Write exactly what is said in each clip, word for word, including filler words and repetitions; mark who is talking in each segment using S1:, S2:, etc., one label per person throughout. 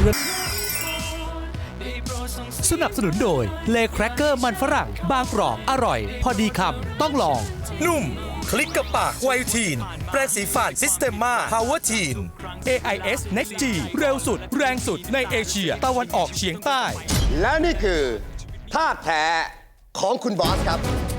S1: เรือสนับสนุนโดยเลแครกเกอร์มันฝรั่งบางกรอบอร่อย พอดีคำต้องลองนุ่มคลิกกับปากไวทีนแปรงสีฟันซิสเต m มาพาวเวอร์ทีน เอ ไอ เอส Next G เร็วสุดแรงสุดในเอเชียตะวันออกเฉียงใต้
S2: และนี่คือภาพแท้ของคุณบอสครับ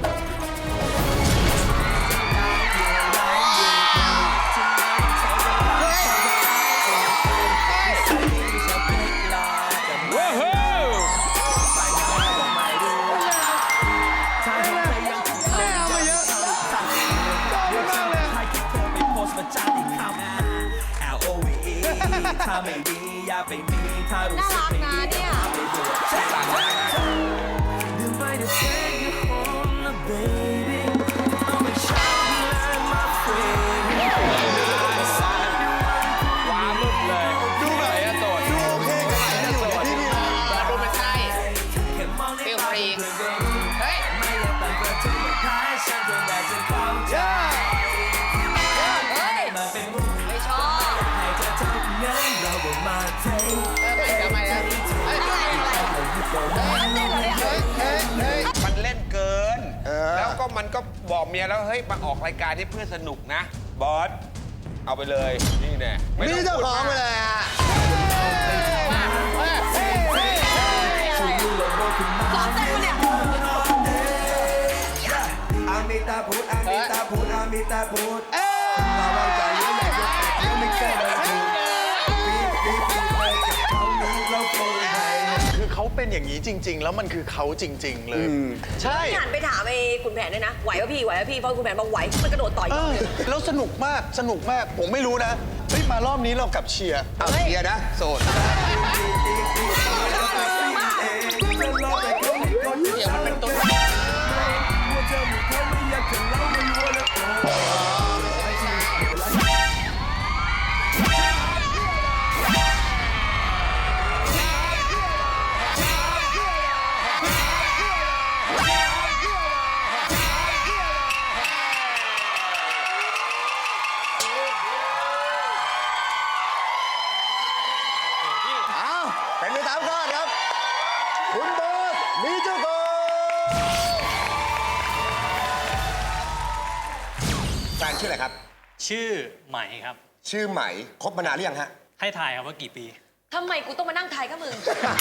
S3: ถ้าไม่ดีอย่าไปมีถ้ารู้สึกไม่ดีอย่าไปบวกแช่งดื่มไปเดี๋ยว take you home now baby I'll make sure you learn my friend
S4: ว้าลุกเลยดูหน่อยอะโสดดูโอเคกันไหนนะโสดที่นี่ดูมันใช่เฟีลฟรีเฮ้ยไม่อยากแต่งตัวที่มันคล้ายฉันจนได้จะเข้าใจไม่ชอบให้เธอทุกเงินเราบอกมาเทมันเล่นเกินแล้วก็มันก็บอกเมียแล้วเฮ้ยมาออกรายการที่เพื่อสนุกนะบอสเอาไปเลยนี่แน่
S2: นี่เจ้าของไปเลยอ่ะ
S5: ร้องเต้นปะเนี่ย
S3: อามิตาพูดอามิตาพูดอามิตาพูดเราวางใจยิ่งใหญ่ยกแต่ไม่เคยเลยถูกปีปีปีไปกับเขานี้เราโปรย
S6: คือเขาเป็นอย่างนี้จริง ๆ แล้วมันคือเขาจริง ๆ เลย ใช่
S5: หันไปถามไอ้คุณแผนด้วยนะไหวป่ะพี่ไหวป่ะพี่เพราะคุณแผนบอกไหวมันกระโดดต่อย
S6: เออแล้วสนุกมากสนุกมากผมไม่รู้นะเฮ้ยมารอบนี้เรากลับเชียร์
S2: เอาเชียร์นะโสด
S4: เดี๋ยวมันเป็นตัว
S2: เป็นไปตามคาดครับคุณบอสมีเจ้าของแฟนชื่ออะไรครับ
S7: ชื่อไหมครับ
S2: ชื่อไหมคบมานานหรือยังฮะ
S7: ให้ทายครับว่ากี่ปี
S5: ทำไมกูต้องมานั่งทายกับมึง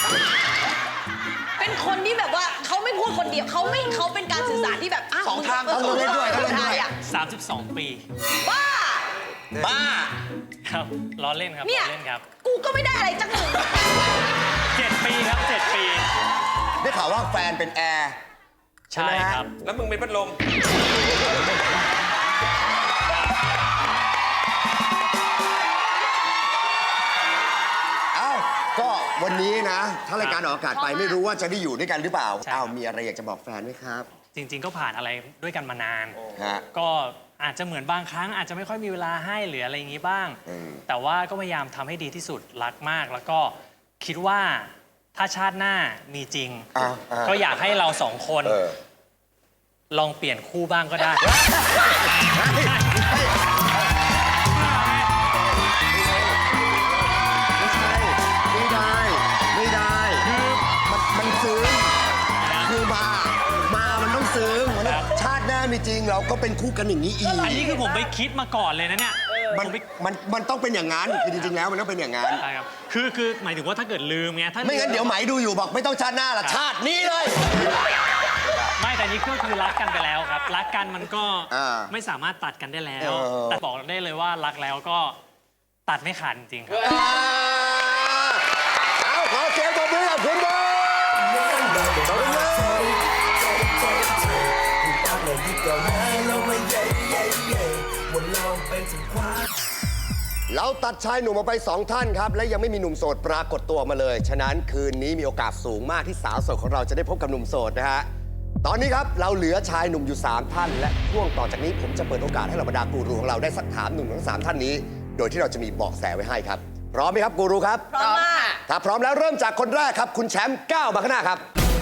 S5: เป็นคนที่แบบว่าเขาไม่พูดคนเดียวเขาไม่เขาเป็นการสื่อสารที่แบบอ้าว
S6: สองทาง
S5: เขาเล่นด้วยเขาเล่นด้วย
S7: สามสิบสองปี
S5: บ้า
S2: บ้า
S7: ครับล้อเล่นครับ
S5: เนี่ย
S7: ล้อเล่นครับ
S5: กูก็ไม่ได้อะไรจังเลย
S7: เจ็ดปีครับเจ็ดปี
S2: ได้ข่าวว่าแฟนเป็นแอร์
S7: ใช่ครับ
S4: แล้วมึงเป็นพัดลม
S2: อ้าวก็วันนี้นะ ถ้ารายการออกอากาศไปไม่รู้ว่าจะได้อยู่ด้วยกันหรือเปล่า
S7: ใช่ครับ
S2: อ้าวมีอะไรอยากจะบอกแฟนไหมครับ
S7: จริง ๆ ก็ผ่านอะไรด้วยกันมานาน
S2: ฮะ
S7: ก็อาจจะเหมือนบางครั้ง อาจจะไม่ค่อยมีเวลาให้หรืออะไรอย่างนี้บ้าง
S2: อืม
S7: แต่ว่าก็พยายามทำให้ดีที่สุดรักมาก แล้วก็คิดว่าถ้าชาติหน้ามีจริง
S2: อ่าอ่า
S7: ก็อยากให้เราสองคน
S2: เออ
S7: ลองเปลี่ยนคู่บ้างก็ได้
S2: ไม่ใช่ไม่ได้ ไม่ได้มันมันซึ้งคือมา มามันต้องซึ้งมันต้องชาติหน้ามีจริงเราก็เป็นคู่กันอย่างนี้อีก
S7: อันนี้คือผมไปคิดมาก่อนเลยนะเนี่ย
S2: มันมันมันต้องเป็นอย่างนั้นคือจริงๆแล้วมันต้องเป็นอย่างนั้น
S7: ใช่ครับ คือคือหมายถึงว่าถ้าเกิดลืมไงถ้า
S2: ไม่งั้นเดี๋ยวไหมดูอยู่บอกไม่ต้องชาติหน้าละชาตินี้เลย
S7: ไม่แต่นี่ก็คือรักกันไปแล้วครับ รักกันมันก็
S2: อ่า
S7: ไม่สามารถตัดกันได้แล้ว
S2: เออ
S7: แต่บอกได้เลยว่ารักแล้วก็ตัดไม่ขาดจริงๆครับ
S2: เอาขอเสียงปรบมือกับคุณบอลขอบคุณเลยเราตัดชายหนุ่มออกไปสองท่านครับ และยังไม่มีหนุ่มโสดปรากฏตัวมาเลย ฉะนั้นคืนนี้มีโอกาสสูงมากที่สาวโสดของเราจะได้พบกับหนุ่มโสดนะฮะ ตอนนี้ครับเราเหลือชายหนุ่มอยู่สามท่าน และช่วงต่อจากนี้ผมจะเปิดโอกาสให้เหล่าบรรดากูรูของเราได้สักถามหนุ่มทั้งสามท่านนี้ โดยที่เราจะมีเบาะแสไว้ให้ครับ พร้อมไหมครับกูรูครับ
S5: พร้อมมาก
S2: ถ้าพร้อมแล้วเริ่มจากคนแรกครับ คุณแชมป์ก้าวมาข้างหน้าครับ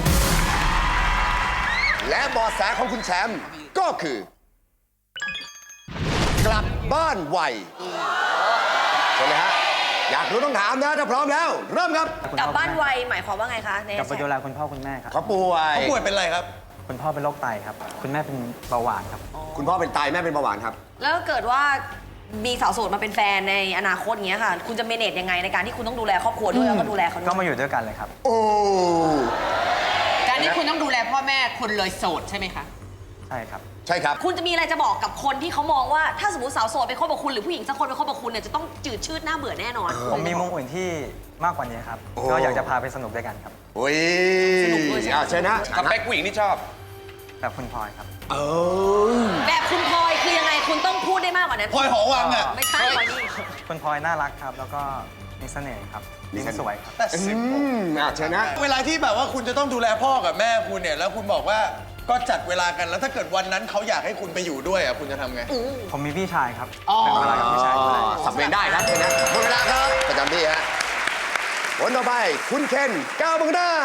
S2: และเบาะแสของคุณแชมป์ก็คือ กลับบ้านไวใช่ไหมฮะอยากรู้ต้องถามนะถ้าพร้อมแล้ว เริ่มครับ
S5: กลับบ้านไวหมายความว่าไงคะใน
S8: กลับไปดูแลคุณพ่อคุณแม่ครับ
S2: เขาป่วย
S6: เขาป่วยเป็นอะไรครับ
S8: คุณพ่อเป็นโรคไตครับ คุณแม่เป็นเบาหวานครับ
S2: คุณพ่อเป็นไตแม่เป็นเบาหวานครับ
S5: แล้วเกิดว่ามีสาวโสดมาเป็นแฟนในอนาคตเงี้ยค่ะ คุณจะเมเนจยังไงในการที่คุณต้องดูแลครอบครัวด้วยแล้วก็ดูแลเขาด้วย
S8: ก็มาอยู่ด้วยกันเลยครับ
S2: โอ้
S4: การที่คุณต้องดูแลพ่อแม่คุณเลยโสดใช่ไหมคะ
S8: ใช่ครับ
S2: ใช่ครับ
S5: คุณจะมีอะไรจะบอกกับคนที่เขามองว่าถ้าสมมติสาวโสดไปคบกับคุณหรือผู้หญิงสักคนไปคบกับคุณเนี่ยจะต้องจืดชืดหน้าเบื่อแน่นอน
S8: ผมมีมุมอื่นที่มากกว่านี้ครับ
S2: โอ้
S8: ก็อยากจะพาไปสนุกด้วยกันครับ
S2: โอ้ย
S5: สนุกด้วยใช่ไหม
S2: อ่ะเชิญนะ
S9: สเปคผู้หญิงที่ชอบ
S8: แบบคุณพลอยครับ
S2: เออ
S5: แบบคุณพลอยคือยังไงคุณต้องพูดได้มากกว่านั้น
S6: พลอยหอวังอ่ะ
S5: ไม่ใช่พลอยนี่
S8: คุณพลอยน่ารักครับ แล้วก็มีเสน่ห์ครับ
S2: มี
S8: ยิ้ม
S2: เสน่ห์
S8: สวยครับ
S6: แต่
S2: อื
S6: สิบ
S2: มอ่ะเชิญนะ
S6: เวลาที่แบบว่าคุณจะต้องดูแลพ่อกับแม่คุณเนี่ย แล้วคุณบอกว่าก็จัดเวลากัน แล้วถ้าเกิดวันนั้นเขาอยากให้คุณไปอยู่ด้วยอ่ะคุณจะทำไง
S8: ผมมีพี่ชายครับ
S4: อ๋อ
S8: เป็นเวลากับพี่ชายด้วย
S2: สับเวรได้ครับเชิญนะหมดเวลาครับประจำที่ฮะคนต่อไปคุณเคนก้าวบังหน้า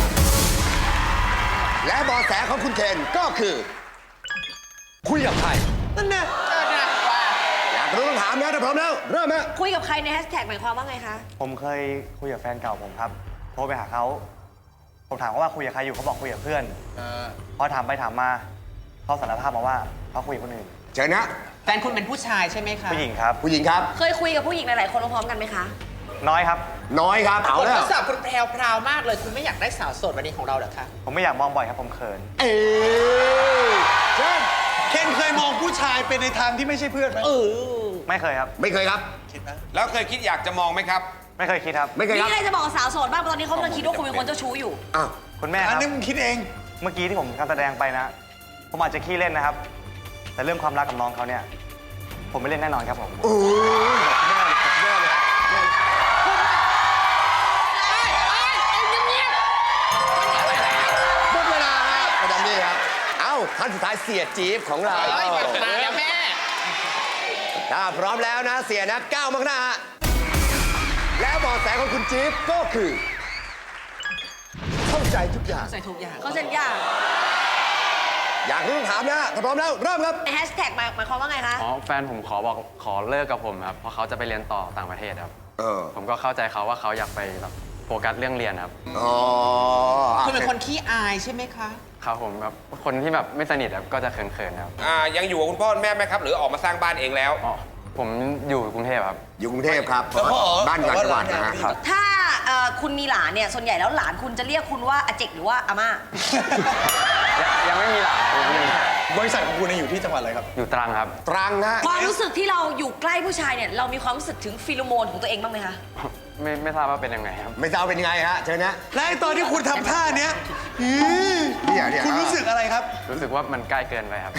S2: และเบอแสของคุณเคนก็คือ คุยกับใคร
S6: นั่นแน่
S4: เออนะว่า
S2: อยากรู้ต้องถามนะถ้าพร้อมแล้ว เริ่มฮะ
S5: คุยกับใครในแฮชแท็กหมายความว่าไงคะ
S8: ผมเคยคุยกับแฟนเก่าผมครับ โทรไปหาเขา ผมถามเขาว่าคุยกับใครอยู่เขาบอกคุยกับเพื่อน พอถามไปถามมาเขาสารภาพมาว่าเขาคุยกับคนอื่น
S2: เชิญนะ
S4: แฟนคุณเป็นผู้ชายใช่ไหมคะ
S8: ผู้หญิงครับ
S2: ผู้หญิงครับ
S5: เคยคุยกับผู้หญิงหลายๆคนพร้อมๆกันไหมคะ
S8: น้อยครับ
S2: น้อยครับ เอา
S4: คน
S2: แล้
S4: ท
S2: ว
S4: ดสอบคุณแพรวพราวมากเลย คุณไม่อยากได้สาวโสดวันนี้ของเราเหรอคะ
S8: ผมไม่อยากมองบ่อยครับผมเขิน
S2: เอ้ยเชิญ
S6: เคนเคยมองผู้ชายเป็นในทางที่ไม่ใช่เพื่อนไหม
S4: เออ
S8: ไม่เคยครับ
S2: ไม่เคยครับ
S6: คิดนะ
S9: แล้วเคยคิดอยากจะมองไหมครับ
S8: ไม่เคยคิดครับ
S2: ไม่เคย
S5: มี
S2: ครับ
S5: อะไรจะบอกกับสาวโสดบ้างเพราะตอนนี้เขากำลังคิดว่าคุณเป็นคนเจ้าชู้อยู่
S2: อ้าว
S8: คุณแม่ค
S6: อัน
S8: รับ
S6: นี้มึงคิดเอง
S8: เมื่อกี้ที่ผมการแสดงไปนะ ผมอาจจะขี้เล่นนะครับ แต่เรื่องความรักกับน้องเขาเนี่ย ผมไม่เล่นแน่นอนครับผม
S2: โอ้ยหมดเวลาฮะประจำที่ครับ เอ้าท่านสุดท้ายเสียจี๊บของเรา
S4: เอ้ยมาแล้วแม่
S2: ถ้าพร้อมแล้วนะเสียนะก้าวมาข้างหน้าฮะแล้วเบอแสของคุณจี๊บก็คือ เข้าใจทุกอย่าง
S4: ใส่ทุกอย่าง
S5: เขาเซ็นยาก
S2: อยากรู้ต้องถามนะถ้าพร้อมแล้วเริ่มครับ
S5: ในแฮชแท็กหมายหมายความว่าไงคะ
S10: อ๋อแฟนผมขอบอกขอเลิกกับผมครับ เพราะเขาจะไปเรียนต่อต่างประเทศครับ
S2: เออ
S10: ผมก็เข้าใจเขาว่าเขาอยากไปแบบโฟกัสเรื่องเรียนครับ
S2: อ๋ออ่ะ
S4: คุณเป็นคนขี้อายใช่ไหมคะ
S10: ครับผมครับคนที่แบบไม่สนิทครับก็จะเขินๆครับ
S9: อ่า ยังอยู่กับคุณพ่อคุณแม่ไหมครับ หรือออกมาสร้างบ้านเองแล้ว
S10: อ๋อผมอยู่กรุงเทพครับ
S2: อยู่กรุงเทพครับ
S6: แล้วพ่ออ๋อ
S2: บ้านต่างจังหวัดนะฮะ
S6: ครับ
S5: ถ้าเอ่อคุณมีหลานเนี่ยส่วนใหญ่แล้วหลานคุณจะเรียกคุณว่าอาเจกหรือว่าอาม่า
S10: ยังยังไม่มีหลานครับยังไม่มี
S6: บริษัทของคุณเนี่ยอยู่ที่จังหวัดอะไรครับ
S10: อยู่ตรังครับ
S2: ตรังนะ
S5: ความรู้สึกที่เราอยู่ใกล้ผู้ชายเนี่ยเรามีความรู้สึกถึงฟีโรโมนของตัวเองบ้างไหมคะ
S10: ไม่ไม่ทราบว่าเป็นยังไงครับ
S2: ไม่ทราบเป็นยังไงฮะเชิญนะ
S6: และไอ้ตอนที่คุณทำท่าเนี้ยอือ
S2: เนี่ยเนี่ย
S6: คุณรู้สึกอะไรครับ
S10: รู้สึกว่ามันใกล้เกินไปครับ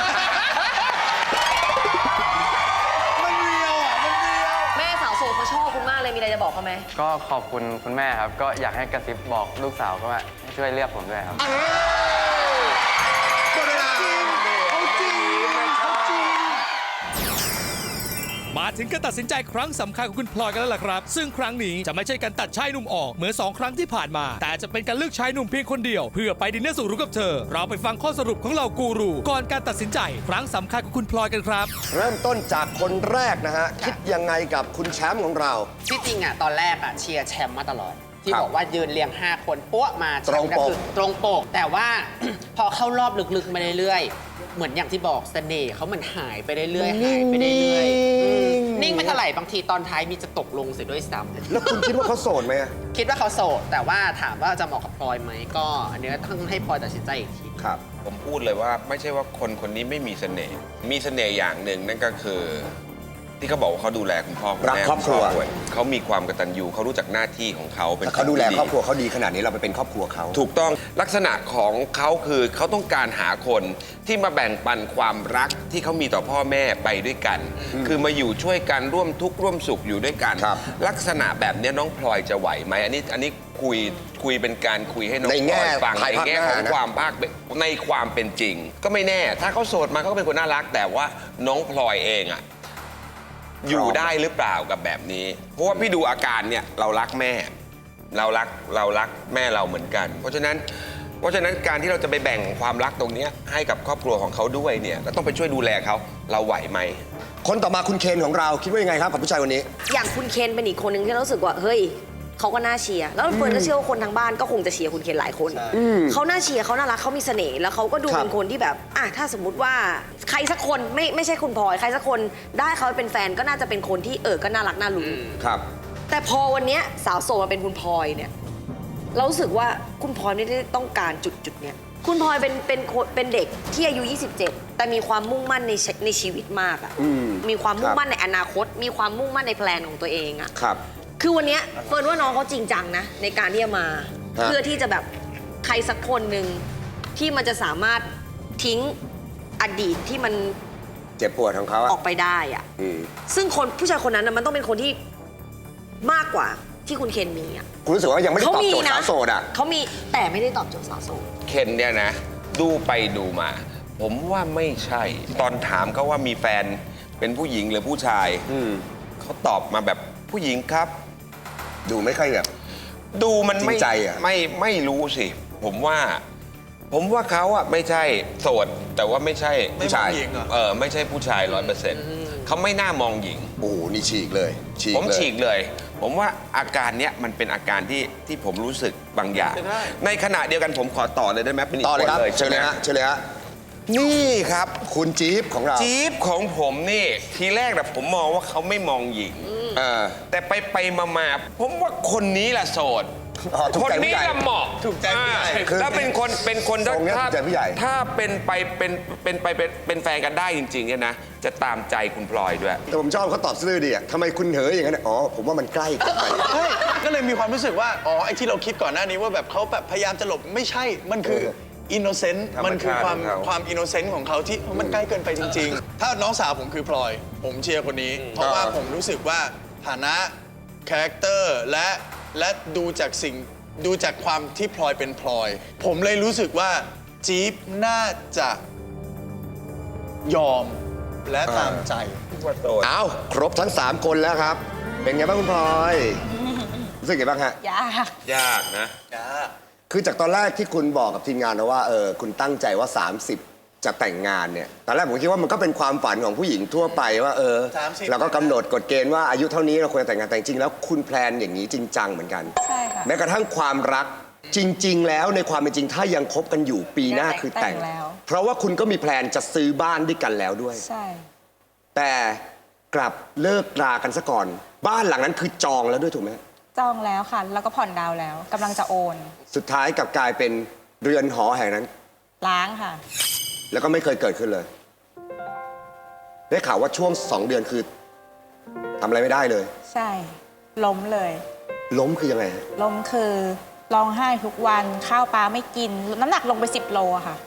S6: มันเรียวอ่ะ มันเรียว
S5: แม่สาวโสดเขาชอบคุณมากเลยมีอะไรจะบอกเขาไหม
S10: ก็ขอบคุณคุณแม่ครับ ก็อยากให้กระซิบบอกลูกสาวก็ว่าให้ช่วยเรียกผมด้วยครับ
S2: เอ้ยหมดเวลา
S6: เอาจริงเอาจริง
S1: มาถึงการตัดสินใจครั้งสำคัญของคุณพลอยกันแล้วล่ะครับ ซึ่งครั้งนี้จะไม่ใช่การตัดชายหนุ่มออกเหมือนสองครั้งที่ผ่านมา แต่จะเป็นการเลือกชายหนุ่มเพียงคนเดียว เพื่อไปดินเนอร์สุดหรูกับเธอ เราไปฟังข้อสรุปของเหล่ากูรูก่อนการตัดสินใจครั้งสำคัญของคุณพลอยกันครับ
S2: เริ่มต้นจากคนแรกนะฮะ คิดยังไงกับคุณแชมป์ของเรา
S4: ที่จริงอ่ะตอนแรกอ่ะเชียร์แชมป์มาตลอด ที่
S2: ครับ
S4: บอกว่ายืนเรียง ห้า คนปั้วมาแชมป์
S2: ตรงปก
S4: คือตรงปก แต่ว่า พอเข้ารอบลึกๆมาเรื่อยๆ เหมือนอย่างที่บอกเสน่ห์เขาเหมือนหายไปเรื่อยๆหายไปเรื่อยๆอืมนิ่งไม่เท่าไหร่บางทีตอนท้ายมีจะตกลงเสียด้วยซ้ำ
S2: แล้วคุณคิดว่าเขาโสดไหมอะ
S4: คิดว่าเขาโสด แต่ว่าถามว่าจะเหมาะกับพลอยไหมก็ อันเนี้ยต้องให้พลอยตัดสินใจอีกที
S2: ครับ
S9: ผมพูดเลยว่าไม่ใช่ว่าคนคนนี้ไม่มีเสน่ห์ มีเสน่ห์อย่างหนึ่งนั่นก็คือ ที่เขาบอกว่าเขาดูแลคุณพ่อคุณ
S2: รัก
S9: แม่
S2: ครอบครัว
S9: ณเขามีความกตัญญูเขารู้จักหน้าที่ของเขาเป็น
S2: ถ้าเขาดูแล
S9: นที่
S2: ครอบครัวเขาดีขนาดนี้เราไปเป็นครอบครัวเขา
S9: ถูกต้องลักษณะของเขาคือเขาต้องการหาคนที่มาแบ่งปันความรักที่เขามีต่อพ่อแม่ไปด้วยกัน คือมาอยู่ช่วยกันร่วมทุกข์ร่วมสุขอยู่ด้วยกัน
S2: ครับ
S9: ลักษณะแบบนี้น้องพลอยจะไหวไหมอันนี้อันนี้คุยคุยเป็นการคุยให้น้อง
S2: ใน
S9: พล
S2: แง่
S9: อยฟัง
S2: ภาย
S9: ใน
S2: ภาค
S9: แง่
S2: หน้า
S9: ของ
S2: นะ
S9: ความภาคในความเป็นจริง ก็ไม่แน่ ถ้าเขาโสดมาเขาก็เป็นคนน่ารัก แต่ว่าน้องพลอยเองอะอยู่ได้หรือเปล่ากับแบบนี้ เพราะว่าพี่ดูอาการเนี่ยเรารักแม่ เรารักเรารักแม่เราเหมือนกัน เพราะฉะนั้นเพราะฉะนั้นการที่เราจะไปแบ่งความรักตรงเนี้ยให้กับครอบครัวของเขาด้วยเนี่ยเราต้องไปช่วยดูแลเขาเราไหวไหม
S2: คนต่อมาคุณเคนของเราคิดว่ายังไงครับกับผู้ชายคนนี้
S5: อย่างคุณเคนเป็นอีกคนหนึ่งที่เรารู้สึกว่าเฮ้ยเขาก็น่าเชียร์แล้วเฟิร์นก็เชื่อว่าคนทางบ้านก็คงจะเชียร์คุณเคนหลายคนเขาน่าเชียร์เขาน่ารักเขามีเสน่ห์แล้วเขาก็ดู
S2: ครับ
S5: เป็นคนที่แบบอ่ะถ้าสมมุติว่าใครสักคนไม่ไม่ใช่คุณพลอยใครสักคนได้เขาเป็นแฟนก็น่าจะเป็นคนที่เออก็น่ารักน่ารู้
S2: ครับ
S5: แต่พอวันเนี้ยสาวโสดมาเป็นคุณพลอยเนี่ยเรารู้สึกว่าคุณพลอยไม่ได้ต้องการจุดจุดๆเนี้ยคุณพลอยเป็นเป็นคนเป็นเด็กที่อายุ ยี่สิบเจ็ด แต่มีความมุ่งมั่นในชีในชีวิตมากอะ
S2: อืม
S5: มีความมุ่
S2: ค
S5: ง
S2: รับ
S5: มั่นในอนาคต มีความมุ่งมั่นในแพลนของตัวเองอะ
S2: ครับ
S5: คือวันเนี้ยเฟิร์นว่าน้องเขาจริงจังนะในการที่จะมา
S2: ฮะ
S5: เพื่อที่จะแบบใครสักคนหนึ่งที่มันจะสามารถทิ้งอดีตที่มัน
S2: เจ็บปวดของเขา
S5: อ
S2: อะ
S5: อกไปได้อะ
S2: อืม
S5: ซึ่งคนผู้ชายคนนั้นนะมันต้องเป็นคนที่มากกว่าที่คุณเคนมีอะ
S2: คุณรู้สึกว่ายังไม่ได้ตอบโจทย์
S5: นะ
S2: สาวโสดอะ
S5: เขามีแต่ไม่ได้ตอบโจทย์สาวโสด
S9: เคนเนี่ยนะ ดูไปดูมา ผมว่าไม่ใช่ ตอนถามเขาว่ามีแฟนเป็นผู้หญิงหรือผู้ชาย
S2: อืม
S9: เขาตอบมาแบบผู้หญิงครับ
S2: ดูไม่ค่อยแบบ
S9: ดูมันไม่
S2: จริงใจอะ
S9: ไม่ไม่รู้สิ ผมว่า ผมว่าเขาอะไม่ใช่โสด แต่ว่าไม่ใช่ผู้ชาย
S6: ไม่มองหญิงเหรอ
S9: เออไม่ใช่ผู้ชายร้อยเปอร์เซ็นต์เขาไม่น่ามองหญิง
S2: โอ้โหนี่ฉีกเลยฉีก
S9: ผม
S2: เลย
S9: ฉีกเลย ผมว่าอาการเนี้ยมันเป็นอาการที่ที่ผมรู้สึกบางอย่าง ในขณะเดียวกันผมขอต่อเลยได้ไหมเป็นอีก
S2: ต่อเลย
S9: คน
S2: ครับ
S9: เลย
S2: เชิญเลย
S9: ใช่ไหม
S2: ฮะเชิญเลยฮะ
S9: นี่ครับ
S2: คุณจี๊บของเรา
S9: จี๊ปของผมนี่ ทีแรกนะผมมองว่าเขาไม่มองหญิง
S2: เออ
S9: แต่ไปไปมามาผมว่าคนนี้แหละโสด
S2: อ๋อถูก
S9: คน
S2: ใจผู้
S9: นี้
S2: ใหญ่
S9: แหละเหมาะ
S6: ถูกใจผู้ใหญ่
S9: อ่า
S2: คือ
S9: แล้วเป็นคนเป็นคน
S2: ทรงเนี้ย
S9: ถ้า
S2: ถูกใจผู้ใหญ่
S9: ถ้าเป็นไปเป็นเป็นไปเป็นเป็นแฟนกันได้จริงๆเนี่ยนะ จะตามใจคุณพลอยด้วย
S2: แต่ผมชอบเขาตอบซื่อดีอะทำไมคุณเหยอย่างนั้นอะอ๋อ ผมว่ามันใกล้เกินไป
S6: ใช่ก็เลยมีความรู้สึกว่า อ๋อ ไอ้ที่เราคิดก่อนหน้านี้ว่าแบบเขาแบบพยายามจะหลบไม่ใช่ มันคือ
S2: เออ
S6: อินโนเซนต์
S9: ธรรมชาติ
S6: มันคือความ
S9: ของเขา
S6: ความอินโนเซนต์ของเขาที่มันใกล้เกินไปจริง ๆ ถ้าน้องสาวผมคือพลอย ผมเชียร์คนนี้ เพราะว่าผมรู้สึกว่าฐานะคาแรคเตอร์และและดูจากสิ่งดูจากความที่พลอยเป็นพลอย ผมเลยรู้สึกว่าจี๊ปน่าจะยอมและตามใจ
S2: เอาครบทั้ง 3 คนแล้วครับ เป็นไงบ้างคุณพลอย รู้สึกไงบ้างฮะ
S5: ยาก
S9: ยากนะ
S2: คือจากตอนแรกที่คุณบอกกับทีมงานนะว่าเออคุณตั้งใจว่า สามสิบ จะแต่งงานเนี่ย ตอนแรกผมคิดว่ามันก็เป็นความฝันของผู้หญิงทั่วไปว่าเออ
S6: สามสิบ
S2: เราก็กำหนดกฎเกณฑ์ว่าอายุเท่านี้เราควรจะแต่งงานแต่จริงๆแล้วคุณแพลนอย่างนี้จริงจังเหมือนกัน
S11: ใช่ค่ะ
S2: แม้กระทั่งความรักจริง ๆ แล้วในความเป็นจริงถ้ายังคบกันอยู่ปีหน้าคือแต่ง
S11: แต่งแล้ว
S2: เพราะว่าคุณก็มีแพลนจะซื้อบ้านด้วยกันแล้วด้วย
S11: ใช่
S2: แต่กลับเลิกรากันซะก่อน บ้านหลังนั้นคือจองแล้วด้วยถูกไหม
S11: จองแล้วค่ะ แล้วก็ผ่อนดาวน์แล้วกำลังจะโอน
S2: สุดท้ายกลับกลายเป็นเรือนหอแห่งนั้น
S11: ล้างค่ะ
S2: แล้วก็ไม่เคยเกิดขึ้นเลย ได้ข่าวว่าช่วงสองเดือนคือทำอะไรไม่ได้เลย
S11: ใช่ ล้มเลย
S2: ล้มคือยังไงฮะ
S11: ล้มคือร้องไห้ทุกวันข้าวปลาไม่กิน น้ำหนักลงไปสิบโลอะค่ะ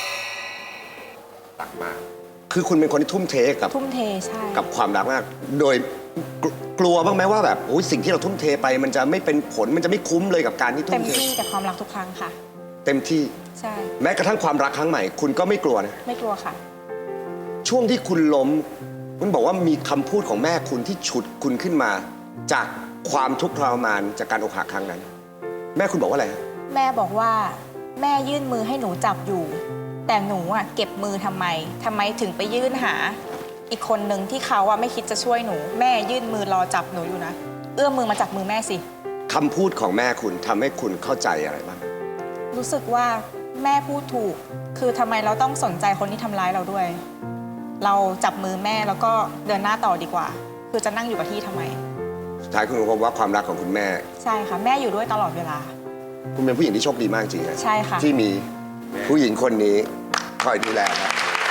S9: ตักมาก
S2: คือคุณเป็นคนที่ทุ่มเทกับ
S11: ทุ่มเทใช่
S2: กับความรักมาก โดยกลกลัวบ้างไหมว่าแบบโอ้ยสิ่งที่เราทุ่มเทไป มันจะไม่เป็นผลมันจะไม่คุ้มเลยกับการที่ทุ่
S11: เต็
S2: ม
S11: ม
S2: เท
S11: ที่กับความรักทุกครั้งค่ะ
S2: เต็มที่
S11: ใช่
S2: แม้กระทั่งความรักครั้งใหม่ คุณก็ไม่กลัวนะ
S11: ไม่กลัวค่ะ
S2: ช่วงที่คุณล้ม คุณบอกว่ามีคำพูดของแม่คุณที่ฉุดคุณขึ้นมา จากความทุกข์ทรมานจากการอกหักครั้งนั้น แม่คุณบอกว่าอะไรฮะ
S11: แม่บอกว่าแม่ยื่นมือให้หนูจับอยู่ แต่หนูอะเก็บมือทำไมทำไมถึงไปยื่นหา อีกคนหนึ่งที่เขาอะไม่คิดจะช่วยหนู แม่ยื่นมือรอจับหนูอยู่นะ เอื้อมมือมาจับมือแม่สิ
S2: คำพูดของแม่คุณทำให้คุณเข้าใจอะไรบ้าง
S11: รู้สึกว่าแม่พูดถูก คือทำไมเราต้องสนใจคนที่ทำร้ายเราด้วย เราจับมือแม่แล้วก็เดินหน้าต่อดีกว่า คือจะนั่งอยู่กับที่ทำไม
S2: สุดท้ายคุณพบว่าความรักของคุณแม่
S11: ใช่ค่ะ แม่อยู่ด้วยตลอดเวลา
S2: คุณเป็นผู้หญิงที่โชคดีมากจริงนะ
S11: ใช่ค่ะ
S2: ที่มีผู้หญิงคนนี้คอยดูแลครับ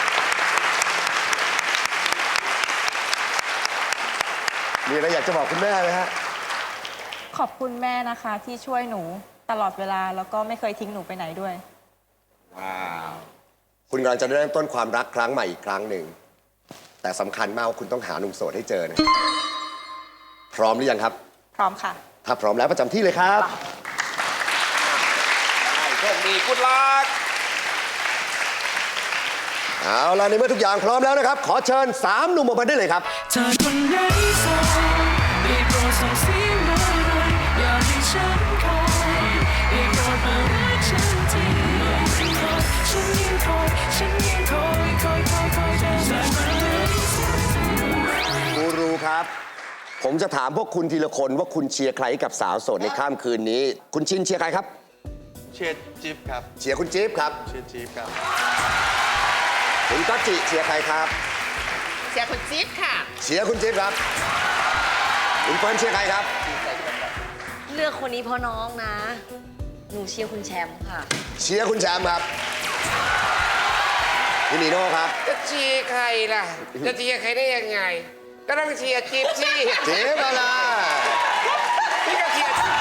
S2: มีอะไรอยากจะบอกคุณแม่ไหมฮะ
S11: ขอบคุณแม่นะคะ ที่ช่วยหนูตลอดเวลาแล้วก็ไม่เคยทิ้งหนูไปไหนด้วย
S2: ว้าว คุณกำลังจะเริ่มต้นความรักครั้งใหม่อีกครั้งหนึ่ง แต่สำคัญมากว่าคุณต้องหาหนุ่มโสดให้เจอนะพร้อมหรือยังครับ
S11: พร้อมค่ะ
S2: ถ้าพร้อมแล้วประจำที่เลยครับ
S9: โชคดีกุดลัก
S2: เอาล่ะในเมื่อทุกอย่างพร้อมแล้วนะครับ ขอเชิญสามหนุ่มออกมาได้เลยครับ
S3: เธอคนไหนโสดได้โปรดส่งเสียงมาหน่อยอยากให้ฉันคอยได้โปรดมารักฉันทีฉันยังคอยฉันยังคอยคอยคอยคอยเธอได้ไหม
S2: ผมจะถามพวกคุณทีละคนว่าคุณเชียร์ใครกับสาวโสดในค่ำคืนนี้ คุณชินเชียร์ใครครับ
S6: เชียร์จิ๊บครับ
S2: เชียร์คุณจี๊บครับ
S6: เชียร์จิ๊บครับ
S2: คุณก๊อตจิเชียร์ใครครับ
S4: เชียร์คุณจิ๊บค่ะ
S2: เชียร์คุณจี๊บครับ คุณเฟิร์นเชียร์ใครครับ
S5: เลือกคนนี้เพราะน้องนะ หนูเชียร์คุณแชมป์ค่ะ
S2: เชียร์คุณแชมป์ครับพี่นีโน่ครับ
S9: จะเชียร์ใครล่ะ จะเชียร์ใครได้ยังไง ก็ต้องเชียร์จิ๊บสิ
S2: จี๊บอะไร
S9: พี่ก็เชียร์จิ๊บ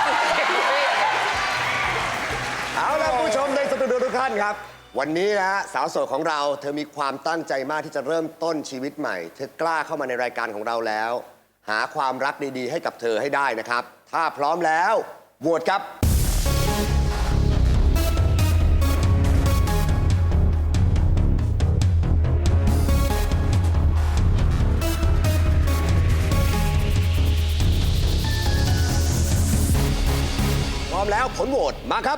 S2: เอาล่ะผู้ชมในสตูดิโอทุกท่านครับ วันนี้นะฮะสาวโสดของเราเธอมีความตั้งใจมากที่จะเริ่มต้นชีวิตใหม่ เธอกล้าเข้ามาในรายการของเราแล้ว หาความรักดีๆ ให้กับเธอให้ได้นะครับ ถ้าพร้อมแล้วโหวตครับ พร้อมแล้วผลโหวตมาครับ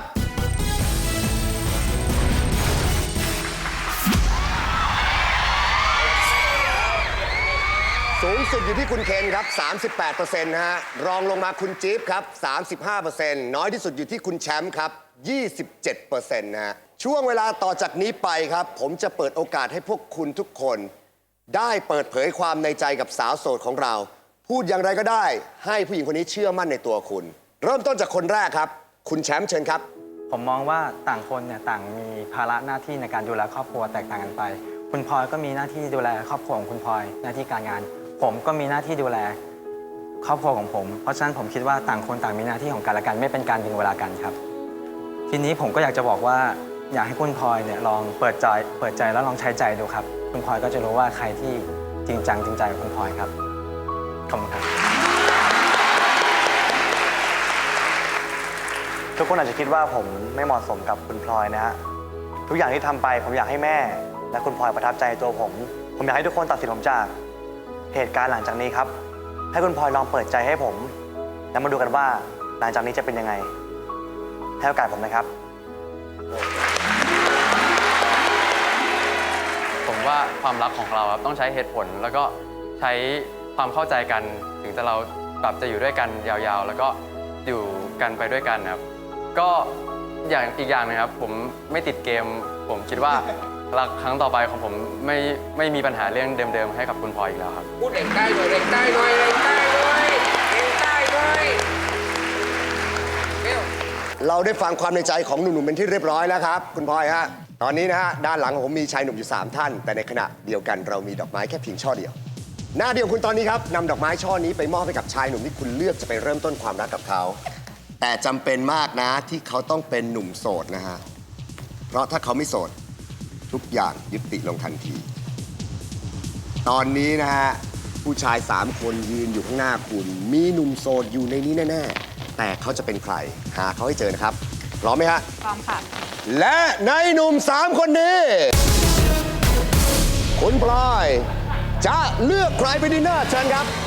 S2: สูงสุดอยู่ที่คุณเคนครับ สามสิบแปดเปอร์เซ็นต์ นะฮะ รองลงมาคุณจี๊บครับ สามสิบห้าเปอร์เซ็นต์ น้อยที่สุดอยู่ที่คุณแชมป์ครับ ยี่สิบเจ็ดเปอร์เซ็นต์ นะฮะ ช่วงเวลาต่อจากนี้ไปครับ ผมจะเปิดโอกาสให้พวกคุณทุกคน ได้เปิดเผยความในใจกับสาวโสดของเรา พูดอย่างไรก็ได้ ให้ผู้หญิงคนนี้เชื่อมั่นในตัวคุณ เริ่มต้นจากคนแรกครับ คุณแชมป์เชิญครับ
S8: ผมมองว่าต่างคนเนี่ยต่างมีภาระหน้าที่ในการดูแลครอบครัวแตกต่างกันไป คุณพลอยก็มีหน้าที่ดูแลครอบครัวของคุณพลอยหน้าที่การงาน ผมก็มีหน้าที่ดูแลครอบครัวของผม เพราะฉะนั้นผมคิดว่าต่างคนต่างมีหน้าที่ของกันและกันไม่เป็นการดึงเวลากันครับ ทีนี้ผมก็อยากจะบอกว่าอยากให้คุณพลอยเนี่ยลองเปิดใจเปิดใจแล้วลองใช้ใจดูครับ คุณพลอยก็จะรู้ว่าใครที่จริงจังจริงใจกับคุณพลอยครับขอบคุณครับทุกคนอาจจะคิดว่าผมไม่เหมาะสมกับคุณพลอยนะฮะทุกอย่างที่ทำไปผมอยากให้แม่และคุณพลอยประทับใจในตัวผม ผมอยากให้ทุกคนตัดสินผมจากเหตุการณ์หลังจากนี้ครับให้คุณพลอยลองเปิดใจให้ผมแล้วมาดูกันว่าหลังจากนี้จะเป็นยังไงให้โอกาสผมนะครับ
S10: ผมว่าความรักของเราครับต้องใช้เหตุผลแล้วก็ใช้ความเข้าใจกันถึงจะเราแบบจะอยู่ด้วยกันยาวๆ แล้วก็อยู่กันไปด้วยกันครับก็อย่างอีกอย่างนะครับผมไม่ติดเกม ผมคิดว่ารักครั้งต่อไปของผมไม่ไม่มีปัญหาเรื่องเดิมๆให้กับคุณพลอยอีกแล้วครับ
S9: พูดเร่งใต้หน่อยเร่งใต้หน่อยเร่งใต้หน่อยเร่งใต้หน่อยเร็ว
S2: เราได้ฟังความในใจของหนุ่มๆเป็นที่เรียบร้อยแล้วครับ คุณพลอยฮะ ตอนนี้นะฮะด้านหลังของผมมีชายหนุ่มอยู่สามท่าน แต่ในขณะเดียวกันเรามีดอกไม้แค่เพียงช่อเดียว หน้าเดียวคุณตอนนี้ครับนำดอกไม้ช่อนี้ไปมอบให้กับชายหนุ่มที่คุณเลือกจะไปเริ่มต้นความรักกับเขา แต่จำเป็นมากนะที่เขาต้องเป็นหนุ่มโสดนะฮะ เพราะถ้าเขาไม่โสดทุกอย่างยุติลงทันที ตอนนี้นะฮะผู้ชายสามคนยืนอยู่ข้างหน้าคุณ มีหนุ่มโสดอยู่ในนี้แน่ๆ แต่เขาจะเป็นใครหาเขาให้เจอนะครับพร้อมไหมฮะ
S11: พร้อมค่ะ
S2: และในหนุ่มสามคนนี้ คุณพลอยจะเลือกใครไปดินเนอร์เชิญครับ